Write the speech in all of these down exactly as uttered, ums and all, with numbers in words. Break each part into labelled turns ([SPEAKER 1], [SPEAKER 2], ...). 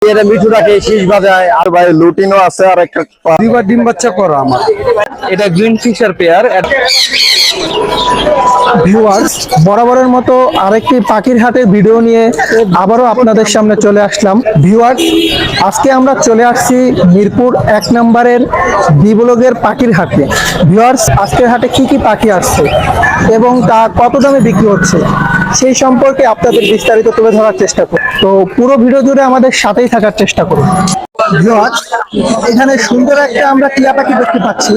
[SPEAKER 1] এটা মিঠুটাকে শীষ বাজায় আর ভাই লুটিনও আছে আর একটা দুইবার ডিম বাচ্চা করা আমার।
[SPEAKER 2] এটা গ্রিন ফিশার পেয়ার।
[SPEAKER 3] ভিউয়ার্স, বরাবরের মতো আরেকটি পাখির হাটের ভিডিও নিয়ে আবারও আপনাদের সামনে চলে আসলাম। ভিউয়ার্স, আজকে আমরা চলে আসছি মিরপুর এক নম্বরের বিবলগের পাখির হাটে। ভিউয়ার্স, আজকের হাটে কি কি পাখি আসছে এবং তা কত দামে বিক্রি হচ্ছে সেই সম্পর্কে আপনাদের বিস্তারিত তুলে ধরার চেষ্টা করুন। তো পুরো ভিডিও জুড়ে আমাদের সাথেই থাকার চেষ্টা করুন। ভিউয়ার্স, এখানে সুন্দর একটা আমরা টিয়া পাখি দেখতে পাচ্ছি।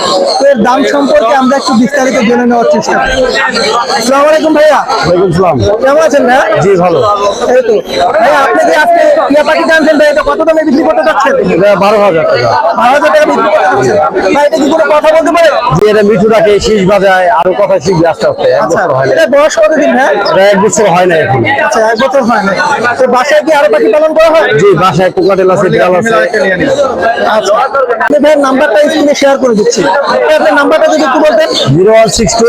[SPEAKER 3] এর দাম সম্পর্কে আমরা একটু বিস্তারিত জেনে নেওয়ার চেষ্টা করি। আসসালামু আলাইকুম ভাইয়া।
[SPEAKER 1] ওয়ালাইকুম আসসালাম।
[SPEAKER 3] কেমন আছেন ভাইয়া?
[SPEAKER 1] জি ভালো।
[SPEAKER 3] এই তো ভাইয়া, আপনি যে আজকে টিয়া পাখি জানছেন ভাই, এটা কত দামে বিক্রি করতে চাচ্ছেন?
[SPEAKER 1] এটা বারো হাজার টাকা।
[SPEAKER 3] বারো হাজার টাকা বিক্রি করতে চাচ্ছেন ভাই? এটা কি কোনো কথা বলতে পারে?
[SPEAKER 1] যে এটা মিঠুটাকে শীষ বাজায় আরো কথা শিখবে আস্তে আস্তে। এক
[SPEAKER 3] আচ্ছা,
[SPEAKER 1] বছর হয় না।
[SPEAKER 3] এটা বয়স কতদিন ভাই?
[SPEAKER 1] এটা এক বছর হয় না এখন।
[SPEAKER 3] আচ্ছা, এক বছর হয় না। তো বাসায় কি আরো পাখি পালন করা হয়?
[SPEAKER 1] জি, বাসায় কোকাটেল আছে, বিড়াল আছে।
[SPEAKER 3] আচ্ছা, আপনি ভাই নাম্বারটা স্ক্রিনে শেয়ার করে দিচ্ছি। আপনার নাম্বারটা যদি একটু বলতেন।
[SPEAKER 1] Zero one six two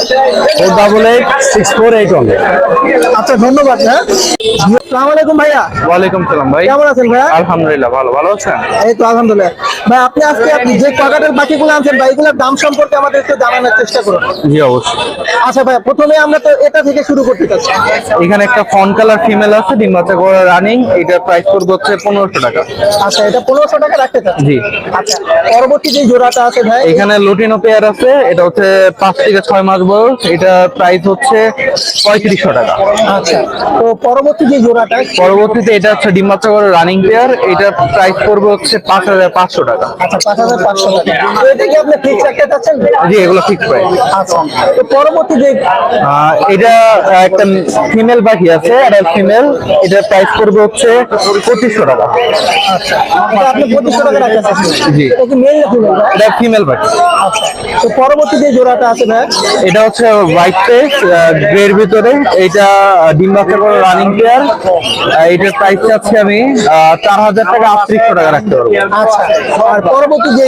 [SPEAKER 1] four double eight six four eight one.
[SPEAKER 3] আচ্ছা, ধন্যবাদ হ্যাঁ। আসসালামু আলাইকুম ভাইয়া।
[SPEAKER 2] ওয়ালাইকুম সালাম ভাই।
[SPEAKER 3] কেমন আছেন ভাইয়া?
[SPEAKER 2] আলহামদুলিল্লাহ ভালো। ভালো আছেন?
[SPEAKER 3] এই তো আলহামদুলিল্লাহ। ভাই, আপনি আজকে আপনি যে কাকাটের পাখিগুলো আনছেন ভাই, এগুলোর দাম সম্পর্কে আমাদের একটু জানানোর চেষ্টা করুন।
[SPEAKER 2] জি অবশ্যই।
[SPEAKER 3] আচ্ছা ভাই, প্রথমে আমরা তো এটা থেকে শুরু করতে চাচ্ছি।
[SPEAKER 2] এখানে একটা ফন কালার ফিমেল আছে, ডিম বাচ্চা করে রানিং। এটার প্রাইস পড়বে হচ্ছে পনেরোশো টাকা।
[SPEAKER 3] আচ্ছা, এটা পনেরোশো টাকা রাখতে চাচ্ছি।
[SPEAKER 2] জি।
[SPEAKER 3] আচ্ছা, পরবর্তী যে জোড়াটা আছে ভাই,
[SPEAKER 2] এখানে লুটিনো পেয়ার আছে, এটা হচ্ছে পাঁচ থেকে ছয় মাস বয়স। এটা প্রাইস হচ্ছে পঁয়ত্রিশশো টাকা।
[SPEAKER 3] আচ্ছা, তো পরবর্তী যে জোড়াটা,
[SPEAKER 2] পরবর্তীতে এটা হচ্ছে ডিম বাচ্চা করে রানিং পেয়ার। এটার প্রাইস পড়বে হচ্ছে পাঁচ হাজার পাঁচশো টাকা।
[SPEAKER 3] আচ্ছা পাঁচ হাজার পাঁচশো টাকা। তো এটা কি আপনি ফিক্স রাখতে চাচ্ছেন?
[SPEAKER 2] জি, এগুলো ফিক্স প্রাইস।
[SPEAKER 3] আচ্ছা, তো পরবর্তী যে
[SPEAKER 2] আহ, এটা একটা ফিমেল পাখি আছে, এটা ফিমেল। এটার প্রাইস পড়বে হচ্ছে পঁচিশশো টাকা।
[SPEAKER 3] আচ্ছা, এটা আপনি পঁচিশশো টাকা রাখতে চাচ্ছেন?
[SPEAKER 2] জি।
[SPEAKER 3] এটা কি মেল না ফিমেল ভাই?
[SPEAKER 2] এটা ফিমেল পাখি।
[SPEAKER 3] আচ্ছা, তো পরবর্তী যে জোড়াটা আছে ভাই,
[SPEAKER 2] এটা হচ্ছে হোয়াইট ফেস গ্রের ভিতরে। এটা ডিম বাচ্চা করে রানিং পেয়ার। এটার প্রাইস চাচ্ছি আমি আহ, চার হাজার টাকা আটত্রিশশো টাকা রাখতে পারবো।
[SPEAKER 3] আচ্ছা, আর পরবর্তী যেই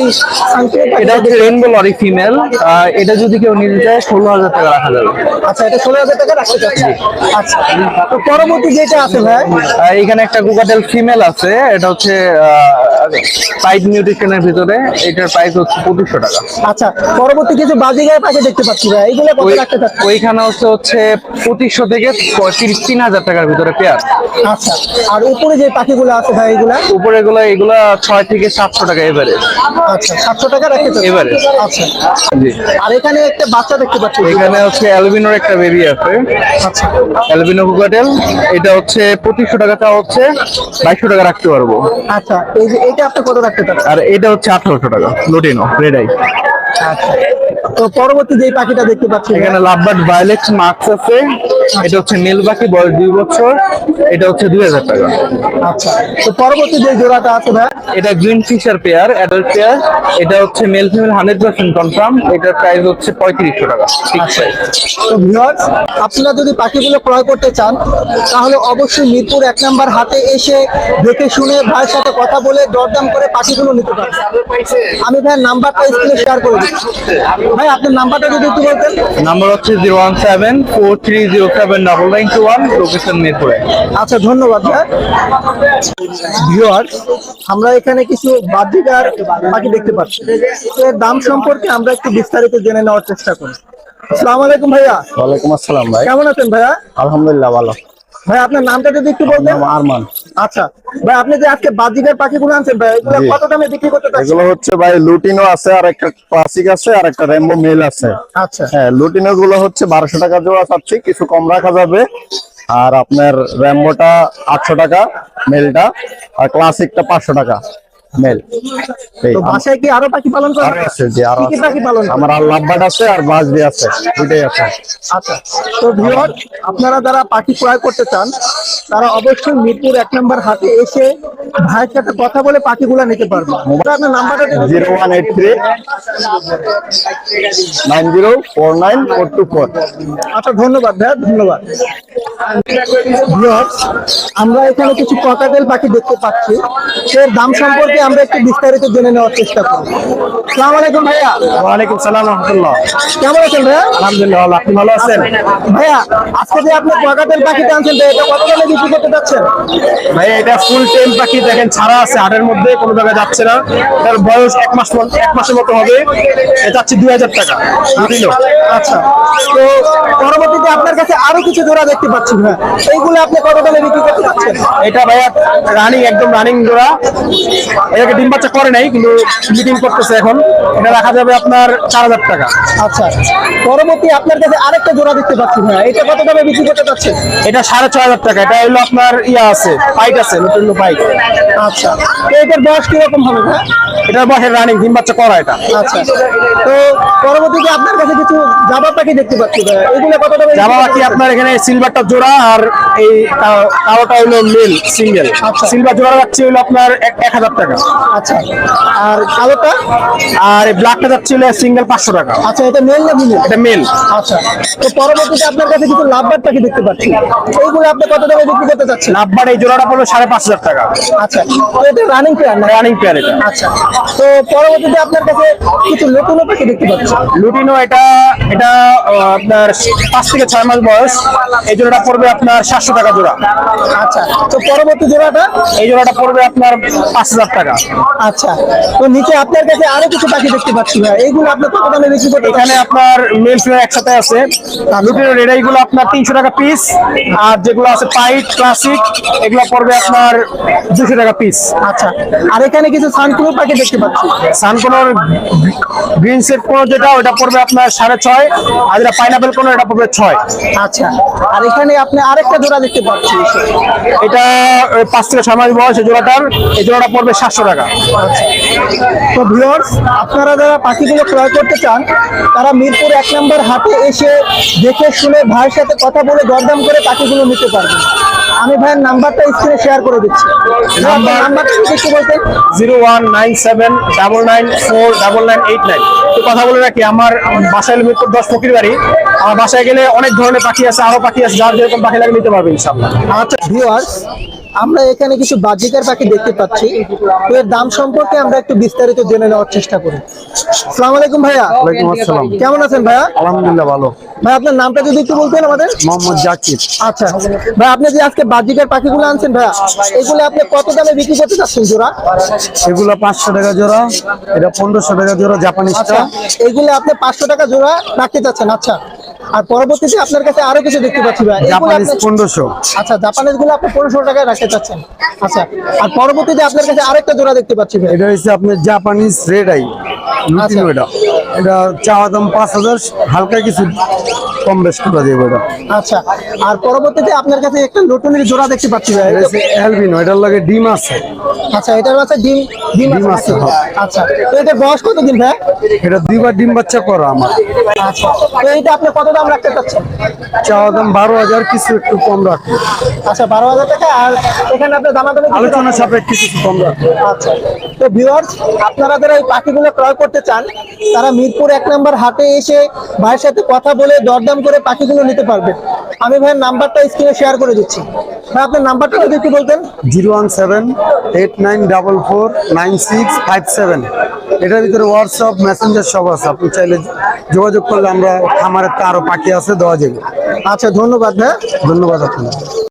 [SPEAKER 2] এটা হচ্ছে রেইনবো লরি ফিমেল। এটা যদি কেউ নিতে চায় ষোলো হাজার টাকা রাখা যাবে।
[SPEAKER 3] আচ্ছা, এটা ষোলো হাজার টাকা রাখতে চাচ্ছি। আচ্ছা, তো পরবর্তী যেটা আছে ভাই,
[SPEAKER 2] আহ, এখানে একটা গুগাটেল ফিমেল আছে, এটা হচ্ছে পাইড নিউট্রিশনের ভিতরে। এটার প্রাইস হচ্ছে পঁচিশশো টাকা।
[SPEAKER 3] আচ্ছা, পরবর্তী কিছু বাজিগার পাখি দেখতে পাচ্ছি ভাই, এইগুলো কত
[SPEAKER 2] ওই-
[SPEAKER 3] রাখতে চাচ্ছি?
[SPEAKER 2] ওইখানে হচ্ছে হচ্ছে পঁচিশশো থেকে তিরিশ তিন হাজার টাকার ভিতরে পেয়ার।
[SPEAKER 3] আচ্ছা, আর উপরে যে পাখিগুলো আছে ভাই, এগুলা
[SPEAKER 2] উপরে গুলো এগুলা ছয় থেকে সাতশো টাকা এভারেজ।
[SPEAKER 3] আচ্ছা সাতশো টাকা রাখতে চাচ্ছি।
[SPEAKER 2] এবারে।
[SPEAKER 3] আচ্ছা,
[SPEAKER 2] জি।
[SPEAKER 3] আর এখানে একটা বাচ্চা দেখতে পাচ্ছি।
[SPEAKER 2] এখানে হচ্ছে অ্যালবিনোর একটা বেবি আছে,
[SPEAKER 3] আচ্ছা,
[SPEAKER 2] অ্যালবিনো কুকাটেল। এটা হচ্ছে পঁচিশশো টাকা, তা হচ্ছে বাইশশো টাকা রাখতে পারবো।
[SPEAKER 3] আচ্ছা, এই যে এটা আপনি কত রাখতে চাচ্ছেন?
[SPEAKER 2] আর এটা হচ্ছে আঠারোশো টাকা লুটিনো রেড আই।
[SPEAKER 3] আচ্ছা, তো পরবর্তী যে পাখিটা দেখতে পাচ্ছি
[SPEAKER 2] এখানে লাভবার্ড ভায়োলেট মার্কস আছে, এটা হচ্ছে মেল পাখি, বয়স দুই বছর। এটা হচ্ছে দুই হাজার টাকা।
[SPEAKER 3] আচ্ছা, তো পরবর্তী যে জোড়াটা আছে ভাই,
[SPEAKER 2] এটা green fisher pair, adult pair. এটা হচ্ছে male female hundred percent confirm. এটার প্রাইস হচ্ছে পঁয়ত্রিশশো টাকা ফিক্স প্রাইস।
[SPEAKER 3] তো ভিউয়ার্স, আপনারা যদি পাখিগুলো ক্রয় করতে চান তাহলে অবশ্যই মিরপুর এক নাম্বার হাটে এসে দেখে শুনে ভাইয়ের সাথে কথা বলে দরদাম করে পাখিগুলো নিতে পারেন। আমি ভাই নাম্বারটা স্ক্রিনে শেয়ার করে দিচ্ছি। ভাই, আপনার নাম্বারটা যদি একটু বলতেন।
[SPEAKER 2] নাম্বার হচ্ছে zero one seven four three zero seven double nine two one, location মিরপুরে।
[SPEAKER 3] আচ্ছা, ধন্যবাদ ভাই। ভিউয়ার্স, আমরা এখানে কিছু বাজিকার পাখি দেখতে পাচ্ছি। এর দাম সম্পর্কে আমরা একটু বিস্তারিত জেনে নেওয়ার চেষ্টা করি। আসসালামু আলাইকুম ভাইয়া।
[SPEAKER 1] ওয়ালাইকুম আসসালাম ভাই।
[SPEAKER 3] কেমন আছেন ভাইয়া?
[SPEAKER 1] আলহামদুলিল্লাহ ভালো।
[SPEAKER 3] ভাই, আপনার নামটা যদি একটু বলতেন।
[SPEAKER 1] নাম আরমান।
[SPEAKER 3] আচ্ছা ভাই, আপনি যে আজকে বাজিকার পাখিগুলো আনছেন ভাই, এগুলো
[SPEAKER 1] জি।
[SPEAKER 3] কত দামে বিক্রি করতে চাচ্ছেন?
[SPEAKER 1] এগুলো হচ্ছে ভাই লুটিনো আছে আর একটা ক্লাসিক আছে আর একটা রেমবো মেল আছে।
[SPEAKER 3] আচ্ছা,
[SPEAKER 1] হ্যাঁ, লুটিনো গুলো হচ্ছে বারোশো টাকা জোড়া চাচ্ছি, কিছু কম রাখা যাবে। আর আপনার র্যাম্বোটা আটশো টাকা মেলটা, আর ক্লাসিকটা পাঁচশো টাকা মেল। এই
[SPEAKER 3] তো বাসায় কি আরো পাখি পালন করেন?
[SPEAKER 1] আরো আছে, জি আরো
[SPEAKER 3] কি কি
[SPEAKER 1] আছে।
[SPEAKER 3] পাখি পালন করেন?
[SPEAKER 1] আমার আর লাভবার্ড আছে আর বাজবি আছে, দুইটাই আছে।
[SPEAKER 3] আচ্ছা, তো ভিউয়ার, আপনারা যারা পাখি ক্রয় করতে চান তারা অবশ্যই মিরপুর এক নম্বর হাটে এসে ভাইয়ের সাথে কথা বলে পাখিগুলো নিতে পারবেন। আপনার নাম্বারটা দিন।
[SPEAKER 1] Zero one eight three nine zero four nine four two four.
[SPEAKER 3] আচ্ছা, ধন্যবাদ ভাইয়া, ধন্যবাদ। ভিউয়ার্স, আমরা এখানে কিছু ককাটেল পাখি দেখতে পাচ্ছি। এর দাম সম্পর্কে থেকে আমরা একটু বিস্তারিত জেনে নেওয়ার চেষ্টা করব। আসসালামু আলাইকুম ভাইয়া।
[SPEAKER 1] ওয়ালাইকুম সালাম রহমতুল্লাহ।
[SPEAKER 3] কেমন আছেন ভাইয়া?
[SPEAKER 1] আলহামদুলিল্লাহ ভালো, আপনি ভালো আছেন?
[SPEAKER 3] ভাইয়া আজকে যে আপনি কোয়াকাটের পাখিটা আনছেন তো এটা কত দামে বিক্রি করতে যাচ্ছেন?
[SPEAKER 1] ভাই এটা ফুল টেম পাখি, দেখেন ছাড়া আছে হাটের মধ্যে, কোনো জায়গায় যাচ্ছে না। এটার বয়স এক মাস মত- এক মাসের মতো হবে। এটা যাচ্ছে দুই হাজার টাকা দিল।
[SPEAKER 3] আচ্ছা, তো পরবর্তীতে আপনার কাছে আরো কিছু জোড়া দেখতে পাচ্ছি ভাইয়া, এইগুলো আপনি কত দামে বিক্রি করতে যাচ্ছেন?
[SPEAKER 1] এটা ভাইয়া রানিং, একদম রানিং জোড়া। এটাকে ডিম বাচ্চা করে নাই কিন্তু মিটিং করতেছে এখন। এটা রাখা যাবে আপনার চার হাজার টাকা।
[SPEAKER 3] আচ্ছা, পরবর্তী আপনার কাছে আরেকটা জোড়া দেখতে পাচ্ছি ভাইয়া, এটা কত দামে বিক্রি করতে যাচ্ছেন?
[SPEAKER 1] এটা সাড়ে ছয় হাজার টাকা। এটা হলো আপনার ইয়া আছে, পাইট আছে, নতুন পাইট।
[SPEAKER 3] আচ্ছা, তো এটার বয়স কিরকম হবে ভাইয়া?
[SPEAKER 1] এটার বয়সের রানিং, ডিম বাচ্চা করা এটা।
[SPEAKER 3] আচ্ছা, তো পরবর্তীতে আপনার কাছে কিছু জাবা পাখি দেখতে পাচ্ছি ভাইয়া, এগুলো কত দামে বিক্রি
[SPEAKER 1] জামা
[SPEAKER 3] করতে
[SPEAKER 1] বাকি
[SPEAKER 3] যাচ্ছেন?
[SPEAKER 1] আপনার এখানে সিলভারটা জোড়া, আর এই কা- কালোটা হলো মেল সিঙ্গেল।
[SPEAKER 3] আচ্ছা।
[SPEAKER 1] সিলভার জোড়া যাচ্ছে হলো আপনার এক- এক হাজার টাকা।
[SPEAKER 3] আচ্ছা, আর কালোটা?
[SPEAKER 1] আর এই ব্ল্যাকটা যাচ্ছে হলো সিঙ্গেল পাঁচশো টাকা।
[SPEAKER 3] আচ্ছা, এটা মেল না ফিমেল?
[SPEAKER 1] এটা মেল।
[SPEAKER 3] আচ্ছা, তো পরবর্তীতে আপনার কাছে কিছু লাভবার্ড পাখি দেখতে পাচ্ছি, এইগুলো আপনি কত দামে বিক্রি করতে চাচ্ছেন?
[SPEAKER 1] লাভবার এই জোড়াটা পড়লো সাড়ে পাঁচ হাজার টাকা।
[SPEAKER 3] আচ্ছা, তো এটা রানিং পেয়ার না?
[SPEAKER 1] রানিং পেয়ার এটা।
[SPEAKER 3] আচ্ছা, তো পরবর্তীতে আপনার কাছে কিছু লুটিনো পাখি দেখতে পাচ্ছি।
[SPEAKER 1] লুটিনো এটা এটা আহ, আপনার পাঁচ থেকে ছয় মাস বয়স। এই জোড়াটা পড়বে আপনার সাতশো টাকা জোড়া।
[SPEAKER 3] আচ্ছা, তো পরবর্তী জোড়াটা?
[SPEAKER 1] এই জোড়াটা পড়বে আপনার পাঁচ হাজার টাকা।
[SPEAKER 3] আচ্ছা, তো নিচে আপনার কাছে আরো কিছু পাখি দেখতে পাচ্ছি ভাই, এইগুলো আপনি কত দামে বিক্রি করতে
[SPEAKER 1] এখানে
[SPEAKER 3] চাচ্ছেন?
[SPEAKER 1] আপনার মেল ফিমেল একসাথে আছে। লুটিনো রেড এইগুলো আপনার তিনশো টাকা পিস, আর যেগুলো আছে পাইট ক্লাসিক এগুলো পড়বে আপনার দুশো টাকা পিস।
[SPEAKER 3] আচ্ছা, আর এখানে কিছু সানকুলো পাখি দেখতে পাচ্ছি।
[SPEAKER 1] সানকোনোর গ্রিন সেট কোনো যেটা ওটা পড়বে আপনার সাড়ে ছয়, আর যেটা পাইনাপেল কোনো এটা পড়বে ছয়।
[SPEAKER 3] আচ্ছা, আর এখানে আপনি আরেকটা জোড়া দেখতে পাচ্ছি।
[SPEAKER 1] এটা ওই পাঁচ থেকে ছয় মাস বয়স এই জোড়াটার। এই জোড়াটা পড়বে সাতশো টাকা।
[SPEAKER 3] তো ভিউয়ার্স, আপনারা যারা পাখিগুলো ক্রয় করতে চান তারা মিরপুর এক নম্বর হাটে এসে দেখে শুনে ভাইয়ের সাথে কথা বলে দরদাম করে পাখিগুলো নিতে পারবেন। আমি ভাইয়ের নাম্বারটা স্ক্রিনে শেয়ার করে দিচ্ছি। নাম্বার নাম্বারটা যদি একটু বলতেন।
[SPEAKER 1] Zero one nine seven double nine four double nine eight nine. তো কথা বলে রাখি, আমার বাসায় হলো মিরপুর দশ ফকির বাড়ি। আমার বাসায় গেলে অনেক ধরনের পাখি আছে, আরো পাখি আছে, যার যেরকম পাখি লাগে নিতে পারবে ইনশাল্লাহ।
[SPEAKER 3] আচ্ছা ভিউয়ার্স, আমরা এখানে কিছু বাজিকার পাখি দেখতে পাচ্ছি, তো এর দাম সম্পর্কে আমরা একটু বিস্তারিত জেনে নেওয়ার চেষ্টা করি। আসসালামু আলাইকুম ভাইয়া।
[SPEAKER 1] ওয়ালাইকুম আসসালাম।
[SPEAKER 3] কেমন আছেন ভাইয়া?
[SPEAKER 1] আলহামদুলিল্লাহ ভালো।
[SPEAKER 3] ভাই আপনার নামটা যদি একটু বলতেন আমাদের।
[SPEAKER 1] মোহাম্মদ জাকির।
[SPEAKER 3] আচ্ছা ভাই, আপনি যে আজকে বাজিকার পাখিগুলো আনছেন ভাইয়া, এগুলো আপনি কত দামে বিক্রি করতে চাচ্ছেন জোড়া?
[SPEAKER 1] এগুলো পাঁচশো টাকা জোড়া, এটা পনেরোশো টাকা জোড়া জাপানিজটা।
[SPEAKER 3] আচ্ছা, এগুলো আপনি পাঁচশো টাকা জোড়া রাখতে চাচ্ছেন। আচ্ছা, আর পরবর্তীতে আপনার কাছে আরো কিছু দেখতে পাচ্ছি ভাই, এগুলো
[SPEAKER 1] জাপানিজ
[SPEAKER 3] আপনি-
[SPEAKER 1] পনেরোশো।
[SPEAKER 3] আচ্ছা, জাপানিজ গুলো আপনি পনেরোশো টাকায় রাখতে চাচ্ছেন। আচ্ছা, আর পরবর্তীতে আপনার কাছে আরেকটা জোড়া দেখতে পাচ্ছি ভাই।
[SPEAKER 1] এটা হচ্ছে আপনার জাপানিজ রেড আই লুটিনো। এটা এটা চাওয়া দাম পাঁচ হাজার, হালকা কিছু কম বেশ করে দেবো এটা।
[SPEAKER 3] আচ্ছা, আর পরবর্তীতে আপনার কাছে একটা লটনের জোড়া দেখতে পাচ্ছি ভাই।
[SPEAKER 1] এটা হচ্ছে অ্যালবিনো, এটার লগে ডিম আছে।
[SPEAKER 3] আচ্ছা, এটার কাছে ডিম ডিম
[SPEAKER 1] ডিম
[SPEAKER 3] আছে
[SPEAKER 1] আছে,
[SPEAKER 3] নাকি?
[SPEAKER 1] হ্যাঁ।
[SPEAKER 3] আচ্ছা, তো এটার বয়স কতদিন ভাই?
[SPEAKER 1] এটা দুইবার ডিম বাচ্চা করা আমার।
[SPEAKER 3] আচ্ছা, তো এইটা আপনি কত দাম রাখতে চাচ্ছেন?
[SPEAKER 1] চাওয়া দাম বারো হাজার, কিছু একটু কম রাখবে।
[SPEAKER 3] আচ্ছা, বারো হাজার টাকা। আর এখানে আপনার দামাদামি কিছু
[SPEAKER 1] আলোচনা
[SPEAKER 3] রাখবেন?
[SPEAKER 1] সাপেক্ষে কিছু কম রাখবে।
[SPEAKER 3] আচ্ছা, তো ভিউয়ার্স, আপনারা যারা এই পাখিগুলো ক্রয় করতে চান তারা মিরপুর এক নম্বর হাটে এসে ভাইয়ের সাথে কথা বলে দরদাম করে পাখিগুলো নিতে পারবেন। আমি ভাইয়ের নাম্বারটা স্ক্রিনে শেয়ার করে দিচ্ছি। ভাই আপনার নাম্বারটা যদি একটু বলতেন।
[SPEAKER 1] Zero one seven eight nine double four nine six five seven. এটার ভিতরে হোয়াটসঅ্যাপ মেসেঞ্জার সব আছে, আপনি চাইলে যোগাযোগ করলে আমরা, খামারের তো আরো পাখি আছে দেওয়া যাবে।
[SPEAKER 3] আচ্ছা, ধন্যবাদ ভাই।
[SPEAKER 1] ধন্যবাদ আপনাকে।